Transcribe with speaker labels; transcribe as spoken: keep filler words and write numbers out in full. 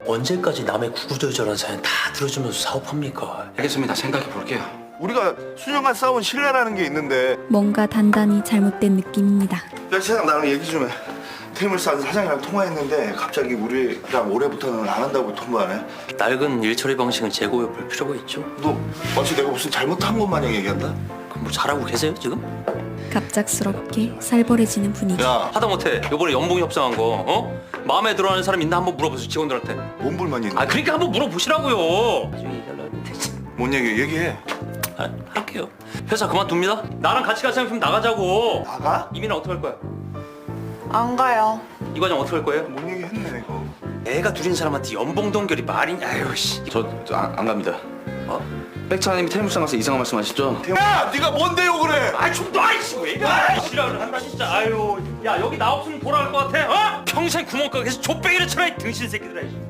Speaker 1: 언제까지 남의 구구절절한 사연 다 들어주면서 사업합니까?
Speaker 2: 알겠습니다. 생각해 볼게요.
Speaker 3: 우리가 수년간 쌓아온 신뢰라는 게 있는데.
Speaker 4: 뭔가 단단히 잘못된 느낌입니다.
Speaker 3: 야, 세상 나랑 얘기 좀 해. 테이블사 사장이랑 통화했는데 갑자기 우리랑 올해부터는 안 한다고 통보하네.
Speaker 1: 낡은 일처리 방식은 재고해 볼 필요가 있죠.
Speaker 3: 너 마치 내가 무슨 잘못한 것 마냥 얘기한다?
Speaker 1: 그럼 뭐 잘하고 계세요 지금?
Speaker 4: 갑작스럽게 살벌해지는 분위기.
Speaker 3: 야,
Speaker 1: 하다못해 요번에 연봉 협상한 거 어? 마음에 들어하는 사람 있나 한번 물어보세요 직원들한테.
Speaker 3: 뭔 불만이 있는
Speaker 1: 아
Speaker 3: 거야?
Speaker 1: 그러니까 한번 물어보시라고요.
Speaker 3: 뭔 얘기 얘기해.
Speaker 1: 아, 할게요. 회사 그만둡니다. 나랑 같이 갈 생각 좀 나가자고.
Speaker 3: 나가?
Speaker 1: 이민아 어떻게 할 거야?
Speaker 5: 안 가요.
Speaker 1: 이 과장 어떻게 할 거예요?
Speaker 3: 뭔 얘기 했네 이거.
Speaker 1: 애가 둘인 사람한테 연봉 동결이 말이냐? 아유 씨.
Speaker 2: 저안 안 갑니다.
Speaker 1: 어?
Speaker 2: 백차장님이 텔무상 가서 이상한 말씀하셨죠?
Speaker 3: 야, 네가 뭔데요 그래?
Speaker 1: 아이 좀 놔! 이씨 왜 이래? 싫어를 한다 진짜. 아유 야 여기 나 없으면 돌아갈 것 같아? 어? 평생 구멍가게에서 족배기를 쳐라 이 등신 새끼들아.